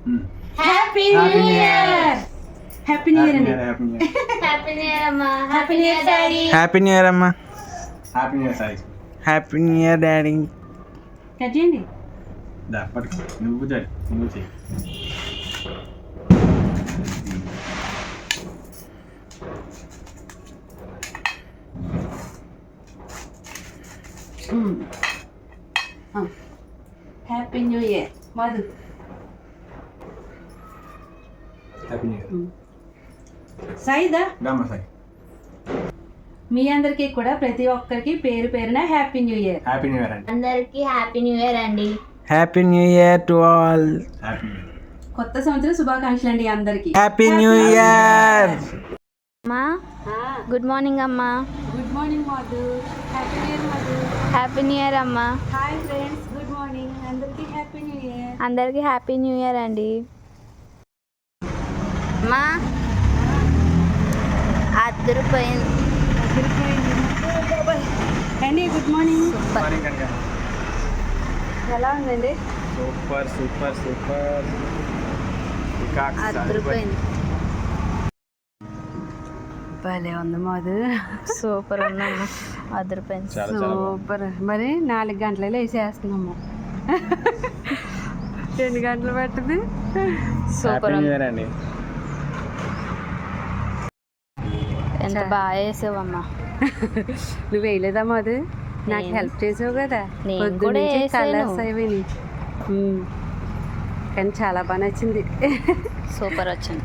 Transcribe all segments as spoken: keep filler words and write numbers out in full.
Happy new year. Happy new year అండి. Happy new year అమ్మా. Happy new year daddy. Happy new year అమ్మా. Happy new year Sai. Happy new year daddy. Cut చేయండి. దా పట్టుకో నువ్వు చేయి నువ్వు చేయి. Happy new year Madhu. Happy new year. సాయిదా రామ్మ సాయి. మీ అందరికీ కూడా ప్రతి ఒక్కరికి పేరు పేరున happy new year. Happy new year అండి. అందరికి హ్యాపీ న్యూ ఇయర్ అండి. Happy new year to all. Happy new year. కొత్త సంవత్సరం శుభాకాంక్షలు అండి అందరికి. Happy new year. అమ్మా గుడ్ మార్నింగ్ అమ్మా. Good morning Madhu. Happy new year Madhu. Happy new year అమ్మా. Hi friends, good morning. అందరికి హ్యాపీ న్యూ ఇయర్. అందరికి హ్యాపీ న్యూ ఇయర్ అండి. అమ్మా అద్దరిపోయింది. అండి గుడ్ మార్నింగ్. మార్నింగ్ కనుక ఎలా ఉందండి? Super super super. అద్దరిపోయింది. భలే ఉంది మధు. సూపర్ ఉందమ్మా. అద్దరిపోయింది. సూపర్. మరి నాలుగు గంటలలో వేసేస్తున్నాము. రెండు గంటలు పట్టింది. సూపర్ న్యూ ఉంది. ఇయర్ అండి. ఎంత బాగా వేసావమ్మా. నువ్వు వేయలేదా మధు? నాకు నేను- హెల్ప్ చేసావు కదా. నేను పొద్దున్న కూడా నుంచి వేసాను. కలర్స్ అవి కానీ చాలా బాగా నచ్చింది. సూపర్ వచ్చింది.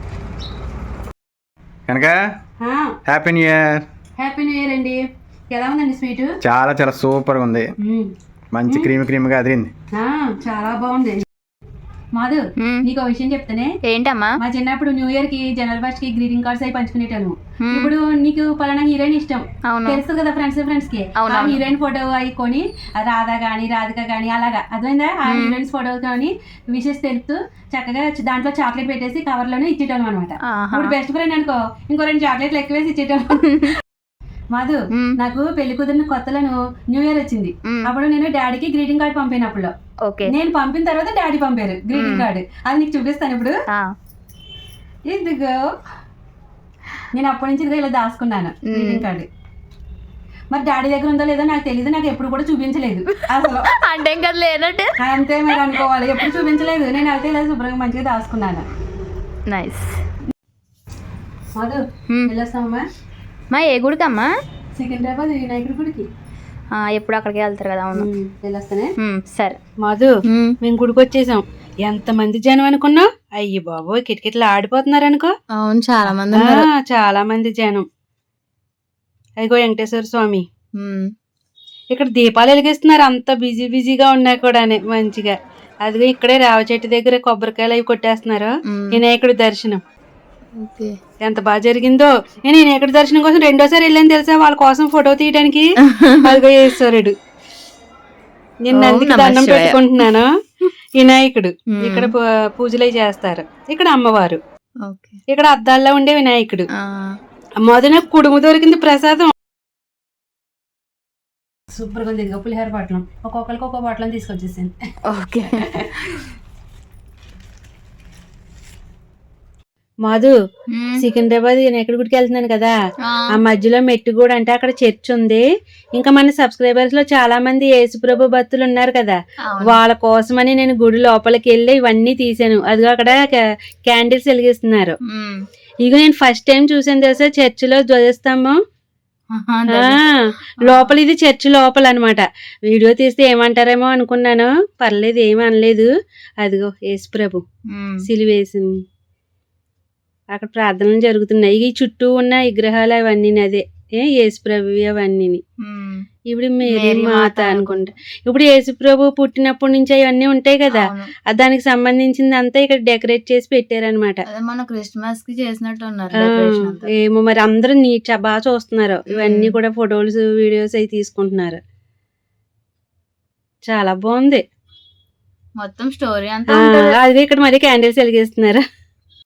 కనుక happy new year. Happy new year అండి. ఎలా ఉందండి స్వీట్? చాలా చాలా సూపర్ గా ఉంది. మంచి క్రీమ్ క్రీమ్ గా అదిరింది. చాలా బాగుంది. మాధు మ్మ్. నీకు ఒక విషయం చెప్తానే. ఏంటమ్మా? మా చిన్నప్పుడు న్యూ ఇయర్ కి జనవరి ఫస్ట్ కి గ్రీటింగ్ కార్డ్స్ అవి పంచుకునేటాను. మ్మ్. ఇప్పుడు నీకు పలానా హీరోయిన్ ఇష్టం అవును. తెలుసు కదా, ఫ్రెండ్స్ ఫ్రెండ్స్ కి అవును, ఆ అవును. హీరోయిన్ ఫోటో అవి కొని ఆ రాధా గాని రాధిక గాని అలాగా అర్థమైందా, ఆ మ్మ్. హీరోయిన్స్ ఫోటో కానీ విషెస్ తెలుపుతూ చక్కగా చ- దాంట్లో చాక్లెట్ పెట్టేసి కవర్ లోనే ఇచ్చేటాను అనమాట. ఆహా. ఇప్పుడు బెస్ట్ ఫ్రెండ్ అనుకో ఇంకో రెండు చాక్లెట్లు ఎక్కువ వేసి ఇచ్చేటాను. మాధు మ్మ్. నాకు పెళ్లి కుదిరిన కొత్తలను న్యూ ఇయర్ వచ్చింది. మ్మ్. అప్పుడు నేను డాడీకి గ్రీటింగ్ కార్డ్ పంపినప్పుడు ఓకే. నేను పంపిన తర్వాత డాడీ పంపారు గ్రీటింగ్ కార్డ్. అది నీకు చూపిస్తాను ఇప్పుడు. ఆ. ఇదిగో నేను అప్పటి నుంచి ఇదిగో ఇలా దాచుకున్నాను గ్రీటింగ్ కార్డ్. మరి డాడీ దగ్గర ఉందో లేదో నాకు తెలియదు, నాకు ఎప్పుడు కూడా చూపించలేదు అసలు. అంటే ఇంకా లేనట్టు. అంతే మీరు అనుకోవాలి, ఎప్పుడు చూపించలేదు. నేను అయితే ఇలా శుభ్రంగా మంచిగా దాచుకున్నాను. నైస్. మధు మ్మ్. వెళ్ళొస్తామమ్మా మా ఏ గుడికమ్మా? సికింద్రాబాద్ వినాయకుడి గుడికి. ఆ, ఎప్పుడు అక్కడికి వెళ్తారు కదా. అవును. మ్మ్, వెళ్ళొస్తానే. మ్మ్, సరే. మధు మ్మ్. మేము గుడికి వచ్చేసాం. ఎంత మంది జనం అనుకున్నావు? అయ్యి బాబోయ్ కిటకిటలు ఆడిపోతున్నారు అనుకో. అవును, చాలా మంది ఆ, చాలా మంది జనం. అదిగో వెంకటేశ్వర స్వామి. మ్మ్. ఇక్కడ దీపాలు వెలిగిస్తున్నారు, అంత బిజీ బిజీగా ఉన్నాయి కూడా మంచిగా. అదిగో ఇక్కడే రావ చెట్టు దగ్గర కొబ్బరికాయలు అవి కొట్టేస్తున్నారు. మ్మ్. వినాయకుడి దర్శనం ఓకే. ఎంత బాగా జరిగిందో. నేను వినాయకుడి దర్శనం కోసం రెండోసారి వెళ్ళాను తెలుసా, వాళ్ళ కోసం ఫోటో తీయడానికి. అదిగో ఈశ్వరుడు. నిన్న ఓం అందుకే నమః దండం శివాయ. పెట్టుకుంటున్నాను. వినాయకుడు మ్మ్. ఇక్కడ పూ- పూజలు అవి చేస్తారు. ఇక్కడ అమ్మవారు, ఓకే. ఇక్కడ అద్దాల్లో ఉండే వినాయకుడు. ఆ. మొదన కుడుము దొరికింది ప్రసాదం. సూపర్గా ఉంది. ఇదిగో పులిహోర పాటలం ఒక్కొక్కరికి ఒక్కొక్క పాటలం తీసుకొచ్చేసాను. ఓకే. మధు మ్మ్. సికింద్రాబాద్ వినాయకుడి గుడికి వెళ్తున్నాను కదా, ఆ. ఆ మధ్యలో మెట్టు కూడా అంటే అక్కడ చర్చ్ ఉంది. ఇంకా మన సబ్స్క్రైబర్స్ లో చాలా మంది యేసుప్రభు భక్తులు ఉన్నారు కదా, అవును. వాళ్ళ కోసమని నేను గుడి లోపలికి వెళ్ళి ఇవన్నీ తీసాను. అదిగో అక్కడ క్యాండిల్స్ వెలిగిస్తున్నారు. మ్మ్. ఇక నేను ఫస్ట్ టైం చూసాను తెలుసా చర్చిలో ధ్వజస్తంభం. ఆహా, ఆ, ధన్య- లోపల ఇది చర్చి లోపల అనమాట. వీడియో తీస్తే ఏమంటారేమో అనుకున్నాను, పర్లేదు ఏమీ అనలేదు. అదిగో యేసుప్రభు మ్మ్. సిలువేసింది. అక్కడ ప్రార్థనలు జరుగుతున్నాయి. ఈ చుట్టూ ఉన్న విగ్రహాలు అవన్నీ అదే ఏ యేసుప్రభు అవన్నీ. మ్మ్. ఇప్పుడు మేరీ మేరీ మాత మాత అనుకుంటా. ఇప్పుడు యేసుప్రభు పుట్టినప్పటి నుంచి అవన్నీ ఉంటాయి కదా, అవును. ఆ దానికి సంబంధించింది అంతా ఇక్కడ డెకరేట్ చేసి పెట్టారనమాట. అదే మన క్రిస్మస్ కి చేసినట్టు ఉన్నారు డెకరేషన్ అంతా. ఏమో మరి అందరూ నీట్ బాగా చూస్తున్నారు. ఇవన్నీ కూడా ఫొటోస్ వీడియోస్ అవి తీసుకుంటున్నారు. చాలా బాగుంది. మొత్తం స్టోరీ అంతా ఆ, ఉంటుంది. అదే ఇక్కడ మరి క్యాండిల్స్ వెలిగిస్తున్నారు.